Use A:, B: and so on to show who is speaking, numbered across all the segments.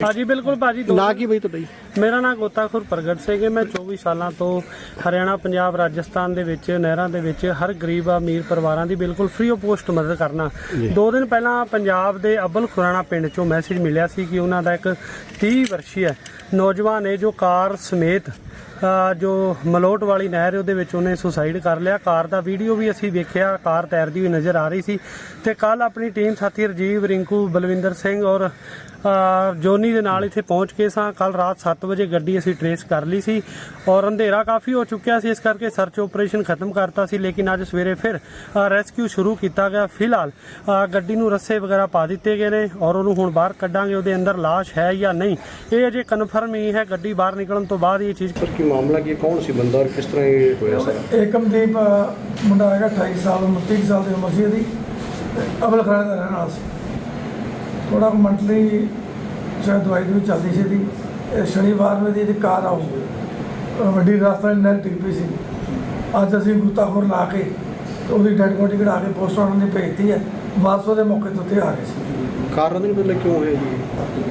A: हाँ जी बिल्कुल भाजी।
B: ना की बई ਤੁਹਾਡਾ ਜੀ?
A: ਮੇਰਾ ਨਾਮ ਗੋਤਾਖੁਰ ਪ੍ਰਗਟ ਸਿੰਘ ਹੈ। ਮੈਂ 24 ਸਾਲਾਂ ਤੋਂ ਹਰਿਆਣਾ, ਪੰਜਾਬ, ਰਾਜਸਥਾਨ ਦੇ ਵਿੱਚ ਨਹਿਰਾਂ ਦੇ ਵਿੱਚ ਹਰ ਗਰੀਬ ਅਮੀਰ ਪਰਿਵਾਰਾਂ ਦੀ ਬਿਲਕੁਲ ਫ੍ਰੀ ਆਫ ਕੋਸਟ ਮਦਦ ਕਰਨਾ। 2 ਦਿਨ ਪਹਿਲਾਂ ਪੰਜਾਬ ਦੇ ਅਬਲ ਖੁਰਾਣਾ ਪਿੰਡ ਚੋਂ ਮੈਸੇਜ ਮਿਲਿਆ ਸੀ ਕਿ ਉਹਨਾਂ ਦਾ ਇੱਕ 30 ਵਰਸ਼ੀ ਹੈ ਨੌਜਵਾਨ ਹੈ ਜੋ ਕਾਰ ਸਮੇਤ ਜੋ ਮਲੋਟ ਵਾਲੀ ਨਹਿਰ ਉਹਦੇ ਵਿੱਚ ਉਹਨੇ ਸੁਸਾਈਡ ਕਰ ਲਿਆ। ਕਾਰ ਦਾ ਵੀਡੀਓ ਵੀ ਅਸੀਂ ਵੇਖਿਆ, ਕਾਰ ਤੈਰਦੀ ਹੋਈ ਨਜ਼ਰ ਆ ਰਹੀ ਸੀ। ਤੇ ਕੱਲ ਆਪਣੀ ਟੀਮ ਸਾਥੀ ਰਜੀਵ, ਰਿੰਕੂ, ਬਲਵਿੰਦਰ ਸਿੰਘ ਔਰ ਜੋਨੀ ਦੇ ਨਾਲ ਇੱਥੇ ਪਹੁੰਚ ਕੇ ਸਾਂ। ਕੱਲ ਰਾਤ 7 ਵਜੇ ਗੱਡੀ ਅਸੀਂ ਟਰੇਸ ਕਰ ਲਈ ਸੀ ਔਰ ਅੰਧੇਰਾ ਕਾਫੀ ਹੋ ਚੁੱਕਿਆ ਸੀ, ਇਸ ਕਰਕੇ ਸਰਚ ਆਪਰੇਸ਼ਨ ਖਤਮ ਕਰਤਾ ਸੀ। ਲੇਕਿਨ ਅੱਜ ਸਵੇਰੇ ਫਿਰ ਰੈਸਕਿਊ ਸ਼ੁਰੂ ਕੀਤਾ ਗਿਆ। ਫਿਲਹਾਲ ਗੱਡੀ ਨੂੰ ਰੱਸੇ ਵਗੈਰਾ ਪਾ ਦਿੱਤੇ ਗਏ ਨੇ ਔਰ ਉਹਨੂੰ ਹੁਣ ਬਾਹਰ ਕੱਢਾਂਗੇ। ਉਹਦੇ ਅੰਦਰ ਲਾਸ਼ ਹੈ ਜਾਂ ਨਹੀਂ ਇਹ ਅਜੇ ਕਨਫਰਮ ਹੀ ਹੈ। ਗੱਡੀ ਬਾਹਰ ਨਿਕਲਣ ਤੋਂ ਬਾਅਦ ਇਹ ਚੀਜ਼
B: ਕੀ ਮਾਮਲਾ ਕੀ ਕੌਣ ਸੀ ਬੰਦਾ ਔਰ ਕਿਸ ਤਰ੍ਹਾਂ ਇਹ ਹੋਇਆ ਸਰ?
C: ਏਕਮਦੀਪ ਮੁੰਡਾ ਹੈਗਾ 28 ਸਾਲ, 29 ਸਾਲ ਦੀ ਉਮਰ ਸੀ ਇਹਦੀ। ਅਬਲ ਖਰਾਣੇ ਦਾ ਰਹਿਣ ਵਾਲਾ ਸੀ। ਥੋੜਾ ਮੰਟਲੀ ਸ਼ਾਇਦ ਦਵਾਈ ਦੀ ਚੱਲਦੀ ਸੀ ਇਹਦੀ। ਸ਼ਨੀਵਾਰ ਨੂੰ ਇਹਦੀ ਕਾਰ ਆਉ ਵੱਡੀ ਰਾਸਤਾ ਨਹਿਰ ਡਿੱਗ ਪਈ ਸੀ। ਅੱਜ ਅਸੀਂ ਗੋਤਾਖੋਰ ਲਾ ਕੇ ਤੇ ਉਹਦੀ ਡੈਡ ਬੋਡੀ ਕਢਾ ਕੇ ਪੋਸਟਮਾਰਟਮ ਦੀ ਭੇਜਤੀ ਹੈ। ਵਾਪਸ ਉਹਦੇ ਮੌਕੇ ਤੋਂ ਉੱਥੇ ਆ ਗਏ ਸੀ।
B: ਕਾਰਨ ਨਹੀਂ ਪਤਾ ਕਿਉਂ ਹੋਇਆ ਜੀ?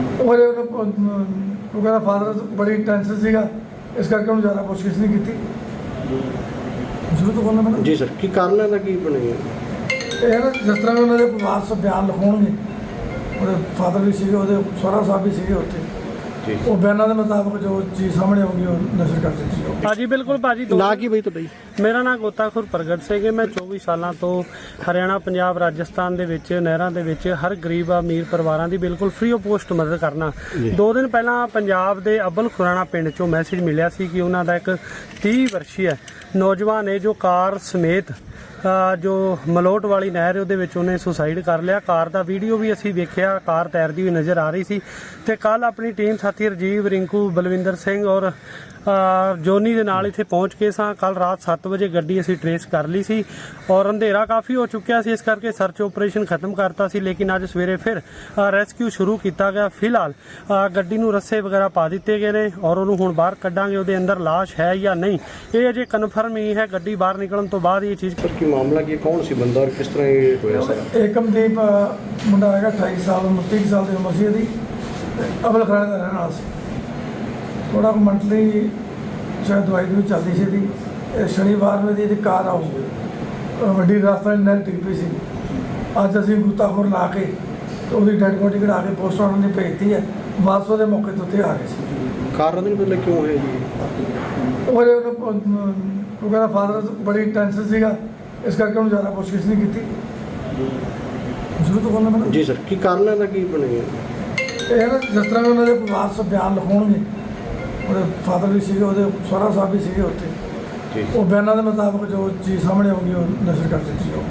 C: ਉਹ ਕਹਿੰਦਾ ਫਾਦਰ ਬੜੀ ਟੈਂਸ਼ਨ ਸੀਗਾ, ਇਸ ਕਰਕੇ ਉਹਨੂੰ ਜ਼ਿਆਦਾ ਪੁੱਛਗਿੱਛ ਨਹੀਂ ਕੀਤੀ। ਜ਼ਰੂਰ ਬੋਲਣਾ ਮੈਨੂੰ
B: ਜੀ ਸਰ, ਕੀ ਕਾਰਨ ਹੈ ਦਾ ਕੀ ਬਣਿਆ?
C: ਇਹ ਨਾ ਜਿਸ ਤਰ੍ਹਾਂ ਉਹਨਾਂ ਦੇ ਵਾਰਸ ਬਿਆਨ ਲਿਖਾਉਣਗੇ, ਉਹਦੇ ਫਾਦਰ ਵੀ ਸੀਗੇ, ਉਹਦੇ ਸਹੁਰਾ ਸਾਹਿਬ ਵੀ ਸੀਗੇ ਉੱਥੇ, ਉਹ ਬਿਆਨਾਂ ਦੇ ਮੁਤਾਬਕ ਜੋ ਚੀਜ਼ ਸਾਹਮਣੇ ਆਉਂਗੀ ਉਹ ਨਸ਼ਰ ਕਰ ਦਿੱਤੀ ਜਾਊਗੀ।
A: हाँ जी बिल्कुल भाजी।
B: ਨਾ ਕੀ ਬਈ ਤੁਹਾਡਾ ਜੀ?
A: ਮੇਰਾ ਨਾਮ ਗੋਤਾਖੁਰ ਪ੍ਰਗਟ ਸਿੰਘ ਹੈ। ਮੈਂ 24 ਸਾਲਾਂ ਤੋਂ ਹਰਿਆਣਾ, ਪੰਜਾਬ, ਰਾਜਸਥਾਨ ਦੇ ਵਿੱਚ ਨਹਿਰਾਂ ਦੇ ਵਿੱਚ ਹਰ ਗਰੀਬ ਅਮੀਰ ਪਰਿਵਾਰਾਂ ਦੀ ਬਿਲਕੁਲ ਫ੍ਰੀ ਆਫ ਕੋਸਟ ਮਦਦ ਕਰਨਾ। 2 ਦਿਨ ਪਹਿਲਾਂ ਪੰਜਾਬ ਦੇ ਅਬਲ ਖੁਰਾਣਾ ਪਿੰਡ ਚੋਂ ਮੈਸੇਜ ਮਿਲਿਆ ਸੀ ਕਿ ਉਹਨਾਂ ਦਾ ਇੱਕ 30 ਵਰਸ਼ੀ ਹੈ ਨੌਜਵਾਨ ਹੈ ਜੋ ਕਾਰ ਸਮੇਤ ਜੋ ਮਲੋਟ ਵਾਲੀ ਨਹਿਰ ਉਹਦੇ ਵਿੱਚ ਉਹਨੇ ਸੁਸਾਈਡ ਕਰ ਲਿਆ। ਕਾਰ ਦਾ ਵੀਡੀਓ ਵੀ ਅਸੀਂ ਵੇਖਿਆ, ਕਾਰ ਤੈਰਦੀ ਹੋਈ ਨਜ਼ਰ ਆ ਰਹੀ ਸੀ। ਤੇ ਕੱਲ ਆਪਣੀ ਟੀਮ ਸਾਥੀ ਰਜੀਵ, ਰਿੰਕੂ, ਬਲਵਿੰਦਰ ਸਿੰਘ ਔਰ ਜੋਨੀ ਦੇ ਨਾਲ ਇੱਥੇ ਪਹੁੰਚ ਕੇ ਸਾਂ। ਕੱਲ ਰਾਤ 7 ਵਜੇ ਗੱਡੀ ਅਸੀਂ ਟਰੇਸ ਕਰ ਲਈ ਸੀ ਔਰ ਅੰਧੇਰਾ ਕਾਫੀ ਹੋ ਚੁੱਕਿਆ ਸੀ, ਇਸ ਕਰਕੇ ਸਰਚ ਆਪਰੇਸ਼ਨ ਖਤਮ ਕਰਤਾ ਸੀ। ਲੇਕਿਨ ਅੱਜ ਸਵੇਰੇ ਫਿਰ ਰੈਸਕਿਊ ਸ਼ੁਰੂ ਕੀਤਾ ਗਿਆ। ਫਿਲਹਾਲ ਗੱਡੀ ਨੂੰ ਰੱਸੇ ਵਗੈਰਾ ਪਾ ਦਿੱਤੇ ਗਏ ਨੇ ਔਰ ਉਹਨੂੰ ਹੁਣ ਬਾਹਰ ਕੱਢਾਂਗੇ। ਉਹਦੇ ਅੰਦਰ ਲਾਸ਼ ਹੈ ਜਾਂ ਨਹੀਂ ਇਹ ਅਜੇ ਕਨਫਰਮ ਹੀ ਹੈ। ਗੱਡੀ ਬਾਹਰ ਨਿਕਲਣ ਤੋਂ ਬਾਅਦ ਇਹ ਚੀਜ਼
B: ਕੀ ਮਾਮਲਾ ਕੀ ਕੌਣ ਸੀ ਬੰਦਾ ਔਰ ਕਿਸ ਤਰ੍ਹਾਂ ਇਹ ਹੋਇਆ ਸਰ?
C: ਏਕਮਦੀਪ ਮੁੰਡਾ ਹੈਗਾ 28 ਸਾਲ, 29 ਸਾਲ ਦੀ ਉਮਰ ਸੀ ਇਹਦੀ। ਅਬਲ ਖਰਾਣੇ ਦਾ ਰਹਿਣ ਵਾਲਾ ਸੀ। ਥੋੜਾ ਮੰਟਲੀ ਸ਼ਾਇਦ ਦਵਾਈ ਦੀ ਚੱਲਦੀ ਸੀ ਇਹਦੀ। ਸ਼ਨੀਵਾਰ ਨੂੰ ਇਹਦੀ ਕਾਰ ਆਉ ਵੱਡੀ ਰਾਸਤਾ ਨਹਿਰ ਡਿੱਗ ਪਈ ਸੀ। ਅੱਜ ਅਸੀਂ ਗੋਤਾਖੋਰ ਲਾ ਕੇ ਤੇ ਉਹਦੀ ਡੈਡ ਬੋਡੀ ਕਢਾ ਕੇ ਪੋਸਟਮਾਰਟਮ ਦੀ ਭੇਜਤੀ ਹੈ। ਵਾਪਸ ਉਹਦੇ ਮੌਕੇ ਤੋਂ ਉੱਥੇ ਆ ਗਏ ਸੀ।
B: ਕਾਰਨ ਨਹੀਂ ਪਤਾ ਕਿਉਂ ਹੋਇਆ ਜੀ?
C: ਉਹ ਕਹਿੰਦਾ ਫਾਦਰ ਬੜੀ ਟੈਂਸ਼ਨ ਸੀਗਾ, ਇਸ ਕਰਕੇ ਉਹਨੂੰ ਜ਼ਿਆਦਾ ਪੁੱਛਗਿੱਛ ਨਹੀਂ ਕੀਤੀ। ਜ਼ਰੂਰ ਬੋਲਣਾ ਮੈਨੂੰ
B: ਜੀ ਸਰ, ਕੀ ਕਾਰਨ ਹੈ ਦਾ ਕੀ ਬਣਿਆ?
C: ਇਹ ਨਾ ਜਿਸ ਤਰ੍ਹਾਂ ਉਹਨਾਂ ਦੇ ਵਾਰਸ ਬਿਆਨ ਲਿਖਾਉਣਗੇ, ਉਹਦੇ ਫਾਦਰ ਵੀ ਸੀਗੇ, ਉਹਦੇ ਸਹੁਰਾ ਸਾਹਿਬ ਵੀ ਸੀਗੇ ਉੱਥੇ, ਉਹ ਬਿਆਨਾਂ ਦੇ ਮੁਤਾਬਕ ਜੋ ਚੀਜ਼ ਸਾਹਮਣੇ ਆਉਂਗੀ ਉਹ ਨਸ਼ਰ ਕਰ ਦਿੱਤੀ ਜਾਊਗੀ।